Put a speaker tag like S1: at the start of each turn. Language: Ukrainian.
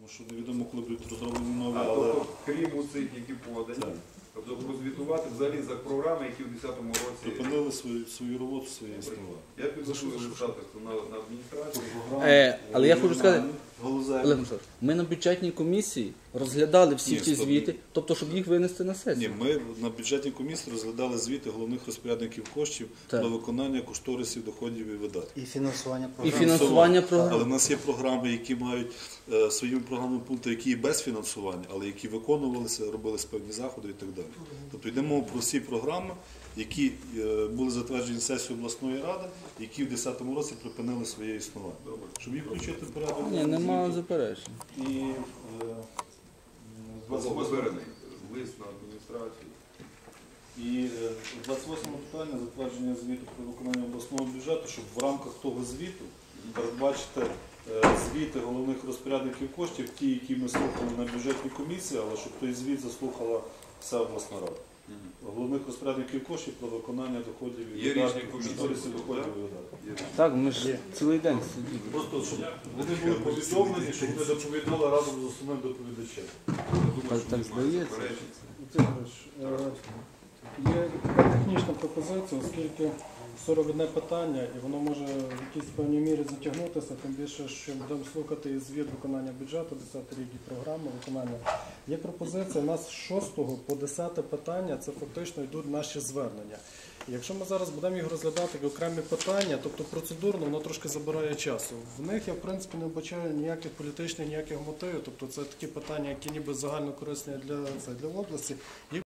S1: Тому що невідомо, коли будуть розроблені нові,
S2: але...
S1: але...
S2: Крім цих, які подані, тобто прозвітувати взагалі за програми, які в 2010 році...
S1: Припинили свою роботу, своє існування.
S2: Я підготую листа на адміністрацію.
S3: Але я хочу сказати, Олег Михайлович, ми на бюджетній комісії розглядали всі ті звіти, тобто, щоб їх винести на сесію.
S1: Ні, ми на бюджетній комісії розглядали звіти головних розпорядників коштів про виконання кошторисів, доходів і видатків.
S4: І фінансування
S3: програм. І фінансування програм.
S1: Але в нас є програми, які мають своїми програмними пунктами, які є без фінансування, але які виконувалися, робилися певні заходи і так далі. Тобто йдемо про всі програми, які були затверджені сесією обласної ради, які в 2010 році припинили своє існування. Щоб їх включити в порядок.
S3: Ні, немає заперечень.
S1: І
S2: Заверений лист на адміністрацію.
S1: І 28 питання затвердження звіту про виконання обласного бюджету, щоб в рамках того звіту передбачити звіти головних розпорядників коштів, ті, які ми слухали на бюджетній комісії, але щоб той звіт заслухала вся обласна рада. Головних розпорядників коштів про виконання доходів і видатків, кошторисів доходів і видатків.
S3: Так, ми ж цілий день сиділи.
S1: Просто, щоб вони були повідомлені, щоб вони доповідали разом з основним доповідачем.
S3: Так здається.
S5: Є така технічна пропозиція, оскільки 41 питання, і воно може в якійсь певній мірі затягнутися, тим більше, що будемо слухати і звіт виконання бюджету, 10 рік і програми виконання. Є пропозиція, у нас з 6 по 10 питання, це фактично йдуть наші звернення. І якщо ми зараз будемо їх розглядати як окремі питання, тобто процедурно, воно трошки забирає часу. В них я, в принципі, не вбачаю ніяких політичних, ніяких мотивів, тобто це такі питання, які ніби загально корисні для області.